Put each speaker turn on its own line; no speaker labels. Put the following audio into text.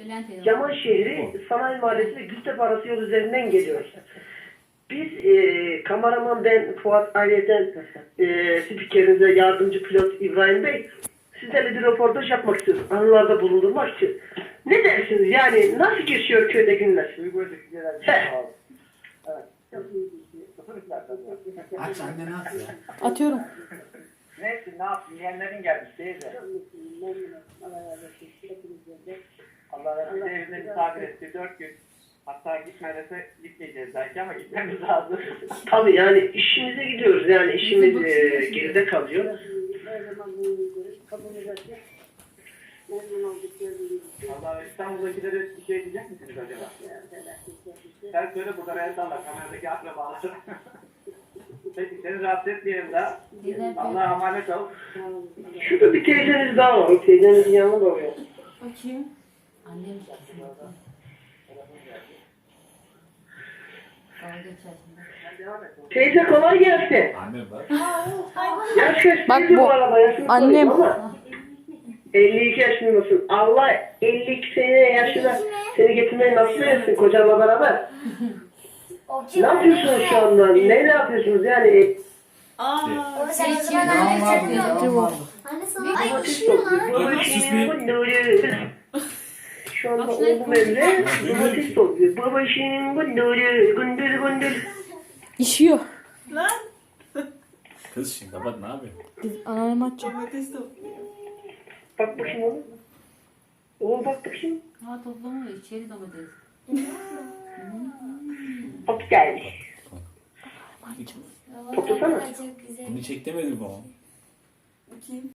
Yaman şehri Sanayi Mahallesi ve Gültepe arası yol üzerinden geliyoruz. Biz kameraman ben Fuat aileden spikerinize yardımcı pilot İbrahim Bey sizlerle bir röportaj yapmak istiyoruz. Anılarda bulundurmak için. Ne dersiniz yani nasıl geçiyor köyde günler?
Aç anne ne yapıyor?
Atıyorum.
Neyse ne yapayım yeğenlerin gelmiş teyze. Allah razı olsun evine misafir etti 4 gün. Hatta gitmedese gitmeyeceğiz belki ama gitmemiz lazım.
Tabii yani işimize gidiyoruz yani işimiz geride kalıyor.
Allah İstanbul'dakileri bir şey diyecek misiniz acaba? Sen söyle burada el salla kameradaki akrabalar. Peki seni rahatsız etmeyelim daha. Allah'a emanet ol.
Şurada bir teyzeniz daha var. O teyzenizin yanına da oluyor.
Bakayım.
Annem
Teyze kolay gelsin.
Anne bak.
Yaş kaç
Bak
teyze
bu
bu arada? Yaşını
annem.
sorayım ama 52 yaşındasın. Allah 52 sene yaşına seni getirmeyi nasip etsin kocanla beraber. Ne yapıyorsunuz şu anda? Ne yapıyorsunuz yani?
Sen o zaman anne getirmiyor. Anne sana ay üşüyor lan.
Babacığım bunları. Şu anda oğlum evde domates topluyor. Babacığım bunları gündür gündür.
İşiyor.
Kız şimdi kapat ne yapıyor?
Anneannem açacak.
Bak bakayım oğlum. Oğlum bak bakayım.
Ha toplamıyor içeri domates.
Hop geldi.
Baba,
Toplasana.
çok güzel.
Bunu çek demedim bana.